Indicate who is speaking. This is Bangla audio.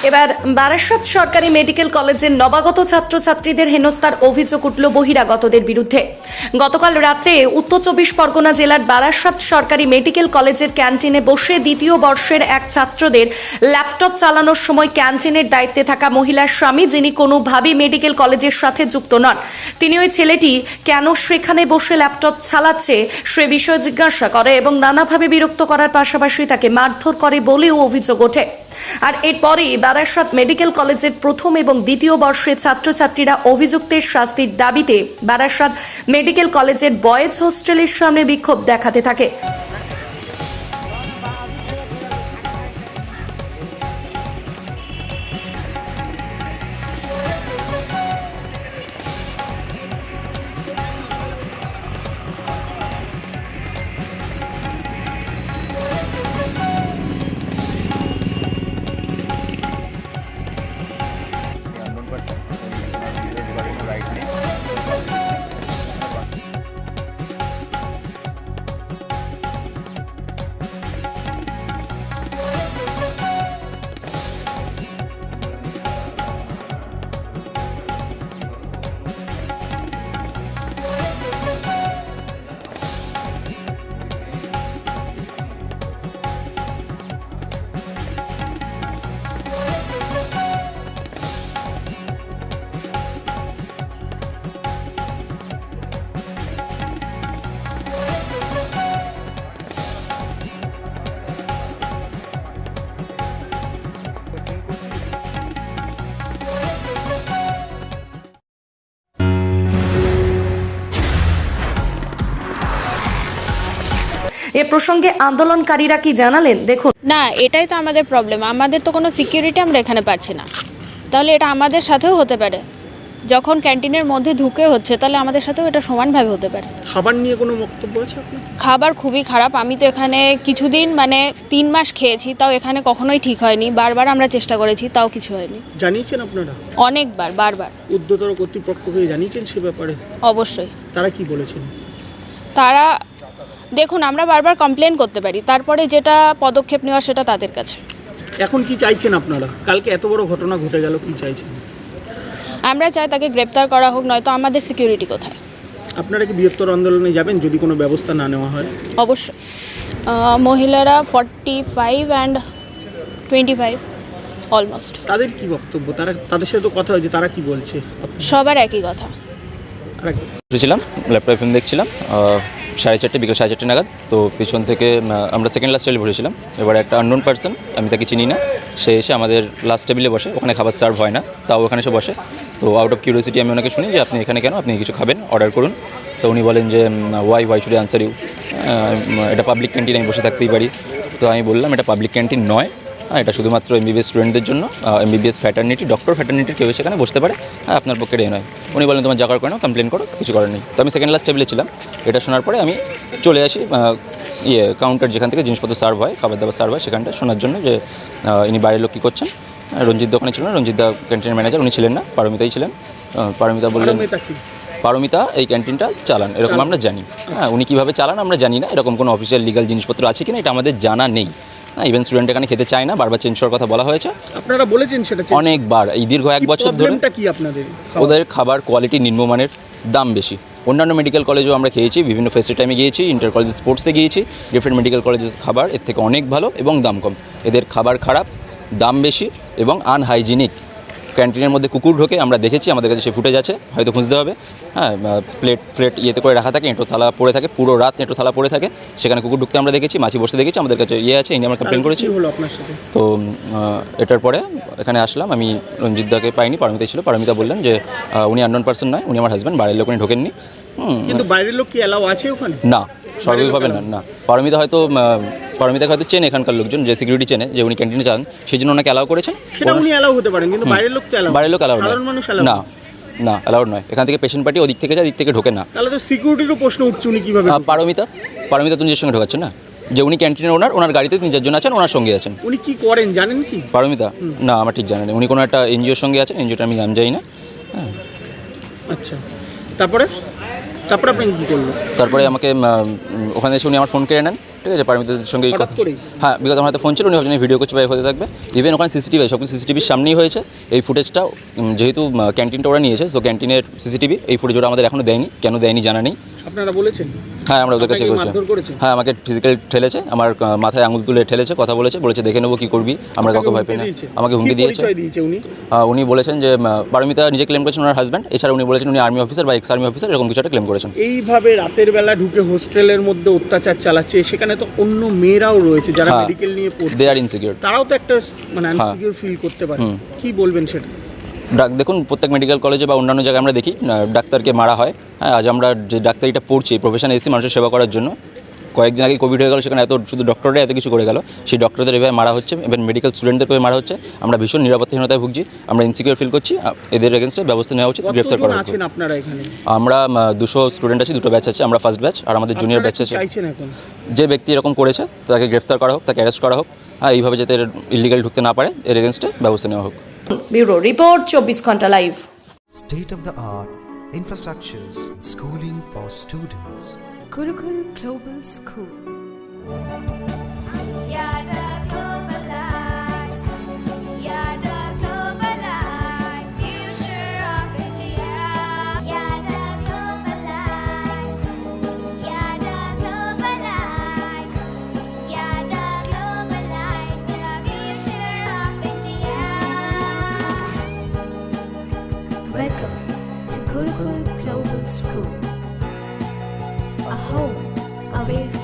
Speaker 1: এবার বারাসত সরকারি মেডিকেল কলেজের নবাগত ছাত্রছাত্রীদের হেনস্থার অভিযোগ উঠল বহিরাগতদের বিরুদ্ধে। গতকাল রাত্রে উত্তর চব্বিশ পরগনা জেলার বারাসত সরকারি মেডিকেল কলেজের ক্যান্টিনে বসে দ্বিতীয় বর্ষের এক ছাত্রদের ল্যাপটপ চালানোর সময় ক্যান্টিনের দায়িত্বে থাকা মহিলার স্বামী, যিনি কোনোভাবেই মেডিকেল কলেজের সাথে যুক্ত নন, তিনি ওই ছেলেটি কেন সেখানে বসে ল্যাপটপ চালাচ্ছে সে বিষয়ে জিজ্ঞাসা করে এবং নানাভাবে বিরক্ত করার পাশাপাশি তাকে মারধর করে বলেও অভিযোগ ওঠে। আর এরপরই বারাসত মেডিকেল কলেজের প্রথম এবং দ্বিতীয় বর্ষের ছাত্রছাত্রীরা অভিযুক্তের শাস্তির দাবিতে বারাসত মেডিকেল কলেজের বয়েজ হোস্টেলের সামনে বিক্ষোভ দেখাতে থাকে। এ প্রসঙ্গে আন্দোলনকারীরা কি জানালেন দেখুন।
Speaker 2: না, এটাই তো আমাদের প্রবলেম। আমাদের তো কোনো সিকিউরিটি আমরা এখানে পাচ্ছি না। তাহলে এটা আমাদের সাথেও হতে পারে, যখন ক্যান্টিনের মধ্যে ঢুকে হচ্ছে তাহলে আমাদের সাথেও এটা সমানভাবে হতে পারে।
Speaker 3: খাবার নিয়ে কোনো বক্তব্য আছে আপনার? খাবার
Speaker 2: খুবই খারাপ। আমি তো এখানে কিছুদিন 3 মাস খেয়েছি, তাও এখানে কখনোই ঠিক হয়নি। বারবার আমরা চেষ্টা করেছি, তাও কিছু হয়নি।
Speaker 3: জানিয়েছেন আপনারা?
Speaker 2: অনেকবার, বারবার।
Speaker 3: ঊর্ধ্বতর কর্তৃপক্ষকে জানিয়েছেন সে ব্যাপারে?
Speaker 2: অবশ্যই।
Speaker 3: তারা কি বলেছেন?
Speaker 2: তারা দেখুন, আমরা বারবার কমপ্লেন করতে পারি, তারপরে যেটা পদক্ষেপ নেওয়া সেটা তাদের কাছে।
Speaker 3: এখন কি চাইছেন আপনারা? কালকে এত বড় ঘটনা ঘটে গেল, কি চাইছেন?
Speaker 2: আমরা চাই তাকে গ্রেপ্তার করা হোক, নয়তো আমাদের সিকিউরিটি কোথায়?
Speaker 3: আপনারা কি বৃহত্তর আন্দোলনে যাবেন যদি কোনো ব্যবস্থা না নেওয়া হয়?
Speaker 2: অবশ্যই। মহিলারা 45 and 25 অলমোস্ট।
Speaker 3: তাদের কি বক্তব্য? তাদের সাথে তো কথা হয়েছে, তারা কি বলছে?
Speaker 2: সবার একই কথা।
Speaker 4: ছিলাম ল্যাপটপ ফিল্ম দেখছিলাম 4:30 বিকেল 4:30 নাগাদ। তো পিছন থেকে আমরা সেকেন্ড লাস্ট টেবিলে বসেছিলাম। এবার একটা আননোন পার্সন, আমি তাকে চিনি না, সে এসে আমাদের লাস্ট টেবিলে বসে। ওখানে খাবার সার্ভ হয় না, তাও ওখানে এসে বসে। তো আউট অফ কিউরিওসিটি আমি ওনাকে শুনি যে আপনি এখানে কেন, আপনি কিছু খাবেন, অর্ডার করুন। তো উনি বলেন যে ওয়াই শুড আনসার ইউ, এটা পাবলিক ক্যান্টিন, আমি বসে থাকতেই পারি। তো আমি বললাম এটা পাবলিক ক্যান্টিন নয়, এটা শুধুমাত্র এমবিবিএস স্টুডেন্টদের জন্য। এমবিবিএস ফ্যাটার্নিটি, ডক্টর ফ্যাটার্নিটির কেউ সেখানে বসতে পারে, আপনার পক্ষে এ নয়। উনি বলেন তোমার জায়গার কেন, কমপ্লেন করো, কিছু করার নেই। তো আমি সেকেন্ড লাস্ট টেবিলে ছিলাম। এটা শোনার পরে আমি চলে আসি কাউন্টার, যেখান থেকে জিনিসপত্র সার্ভ হয়, খাবার দাবার সার্ভ হয়, সেখানটা শোনার জন্য যে ইনি বাইরের লোক কী করছেন। রঞ্জিত ওখানে ছিল না, রঞ্জিত দা ক্যান্টিনের ম্যানেজার, উনি ছিলেন না, পারমিতাই ছিলেন। পারমিতা বললেন পারমিতা এই ক্যান্টিনটা চালান, এরকম আমরা জানি। হ্যাঁ, উনি কীভাবে চালান আমরা জানি না, এরকম কোনো অফিসিয়াল লিগাল জিনিসপত্র আছে কিনা এটা আমাদের জানা নেই। ইভেন স্টুডেন্ট এখানে খেতে চায় না, বারবার চেঞ্জ করার কথা বলা হয়েছে।
Speaker 3: আপনারা বলেছেন সেটা
Speaker 4: অনেকবার, এই দীর্ঘ 1 বছর ধরে।
Speaker 3: কি আপনাদের?
Speaker 4: ওদের খাবার কোয়ালিটি নিম্নমানের, দাম বেশি। অন্যান্য মেডিকেল কলেজেও আমরা খেয়েছি, বিভিন্ন ফেস্টের টাইমে গিয়েছি, ইন্টার কলেজ স্পোর্টসে গিয়েছি, ডিফারেন্ট মেডিকেল কলেজের খাবার এর থেকে অনেক ভালো এবং দাম কম। এদের খাবার খারাপ, দাম বেশি এবং আনহাইজিনিক। ক্যান্টিনের মধ্যে কুকুর ঢোকে, আমরা দেখেছি, আমাদের কাছে সে ফুটেজ আছে, হয়তো খুঁজতে হবে। হ্যাঁ, প্লেট ইয়েতে করে রাখা থাকে, এঁটো থালা পড়ে থাকে, পুরো রাত এঁটো থালা পড়ে থাকে, সেখানে কুকুর ঢুকতে আমরা দেখেছি, মাছি বসতে দেখেছি, আমাদের কাছে আছে, এই নিয়ে আমরা কমপ্লেন করেছি। তো এটার পরে এখানে আসলাম, আমি রঞ্জিতদাকে পাইনি, পারমিতা ছিল। পারমিতা বললেন যে উনি আননোন পার্সন নয়, উনি আমার হাজব্যান্ড, বাইরের লোক উনি ঢোকেননি।
Speaker 3: কিন্তু বাইরের লোক কি অ্যালাউ আছে ওখানে?
Speaker 4: না, স্বাভাবিকভাবে না। পারমিতাকে হয়তো চেনে এখানকার লোকজন, যে সিকিউরিটি চেনে, যে উনি ক্যান্টিনে চান, সেই জন্য ওনাকে অ্যালাউ করেছেন।
Speaker 3: সেটা উনি অ্যালাউ হতে পারেন, কিন্তু বাইরের লোক তো
Speaker 4: বাইরের লোক অ্যালাউ
Speaker 3: না,
Speaker 4: না অ্যালাউড নয়। এখান থেকে পেশেন্ট পার্টি ওদিক থেকে যায়, দিক থেকে ঢোকে না।
Speaker 3: তাহলে তো সিকিউরিটিরও প্রশ্ন উঠছে, উনি কীভাবে?
Speaker 4: পারমিতা তো নিজের সঙ্গে ঢোকাচ্ছেন না, যে উনি ক্যান্টিনের ওনার গাড়িতে 3-4 জন আছেন, ওনার সঙ্গে আছেন।
Speaker 3: উনি কি করেন জানেন কি?
Speaker 4: পারমিতা না, আমার ঠিক জানা নেই। উনি কোনো একটা এনজিওর সঙ্গে আছেন, এনজিওটা আমি নাম জানি না। হ্যাঁ,
Speaker 3: আচ্ছা। তারপরে আপনি কী করলো?
Speaker 4: তারপরে আমাকে ওখানে এসে উনি আমার ফোন কেড়ে নেন, ঠিক আছে, পারমিতাদের সঙ্গে
Speaker 3: হঠাৎ করেই?
Speaker 4: হ্যাঁ, বিকজ আমার হাতে ফোন ছিল, উনি ভাবছেন ভিডিও করছে বা হতে থাকবে। ইভেন ওখানে সিসিটিভি সব কিছু সিসিটিভির সামনেই হয়েছে। এই ফুটেজটা যেহেতু ক্যান্টিনটা ওরা নিয়েছে, তো ক্যান্টিনের সিসিটিভি এই ফুটেজ ওরা আমাদের এখনও দেয়নি, কেন দেয়নি জানা নেই।
Speaker 3: আপনারা বলেছেন?
Speaker 4: হ্যাঁ, আমরা ওদের কাছে
Speaker 3: আপনাকে
Speaker 4: করছি।
Speaker 3: মারধর করেছে?
Speaker 4: হ্যাঁ, আমাকে ফিজিক্যাল ঠেলেছে, আমার মাথায় আঙুল তুলে ঠেলেছে, কথা বলেছে দেখে নেবো কী করবি, আমরা কাউকে ভয় পাই না। আমাকে হুমকি দিয়েছে।
Speaker 3: উনি
Speaker 4: উনি বলেছেন যে পারমিতা নিজে ক্লেম করেছেন ওনার হাজব্যান্ড, এছাড়া উনি বলেছেন উনি আর্মি অফিসার বা এক্স আর্মি অফিসার, এরকম কিছু একটা ক্লেম করেছেন।
Speaker 3: এইভাবে রাতের বেলা ঢুকে হোস্টেলের মধ্যে অত্যাচার চালাচ্ছে, সেখানে তো অন্য মেয়েরাও রয়েছে যারা
Speaker 4: হ্যাঁ,
Speaker 3: মেডিকেল নিয়ে পড়ছে,
Speaker 4: দে আর ইনসিকিউর।
Speaker 3: তারাও তো একটা মানে আনসিকিউর ফিল করতে পারে। কি বলবেন সেটা?
Speaker 4: দেখুন, প্রত্যেক মেডিকেল কলেজে বা অন্যান্য জায়গায় আমরা দেখি ডাক্তারকে মারা হয়। হ্যাঁ, আজ আমরা যে ডাক্তারিটা পড়ছি, প্রফেশনে এসেছি মানুষের সেবা করার জন্য। কয়েকদিন আগে কোভিড হয়ে গেল, সেখানে শুধু ডক্টররা এত কিছু করে গেল, সেই ডক্টরদের এভাবে মারা হচ্ছে, এবং মেডিকেল স্টুডেন্টদের মারা হচ্ছে। আমরা ভীষণ নিরাপত্তাহীনতায় ভুগছি, আমরা ইনসিকিউর ফিল করছি। এদের এগেনস্টে ব্যবস্থা নেওয়া উচিত, গ্রেফতার করা উচিত।
Speaker 3: আছেন আপনারা এখানে?
Speaker 4: আমরা 200 স্টুডেন্ট আছি, 2টো ব্যাচ আছে, আমরা ফার্স্ট ব্যাচ, আর আমাদের জুনিয়র ব্যাচ আছে।
Speaker 3: চাইছেন এখন
Speaker 4: যে ব্যক্তি এরকম করেছে তাকে গ্রেফতার করা হোক, তাকে অ্যারেস্ট করা হোক। হ্যাঁ, এইভাবে যাতে ইলিগাল ঢুকতে না পারে, এর এগেনস্টে ব্যবস্থা নেওয়া হোক।
Speaker 1: ব্যুরো রিপোর্ট 24 ঘন্টা live.
Speaker 5: State of the art infrastructures, schooling for students.
Speaker 6: Gurukul Global School. Welcome to Gurukul Global School, a home away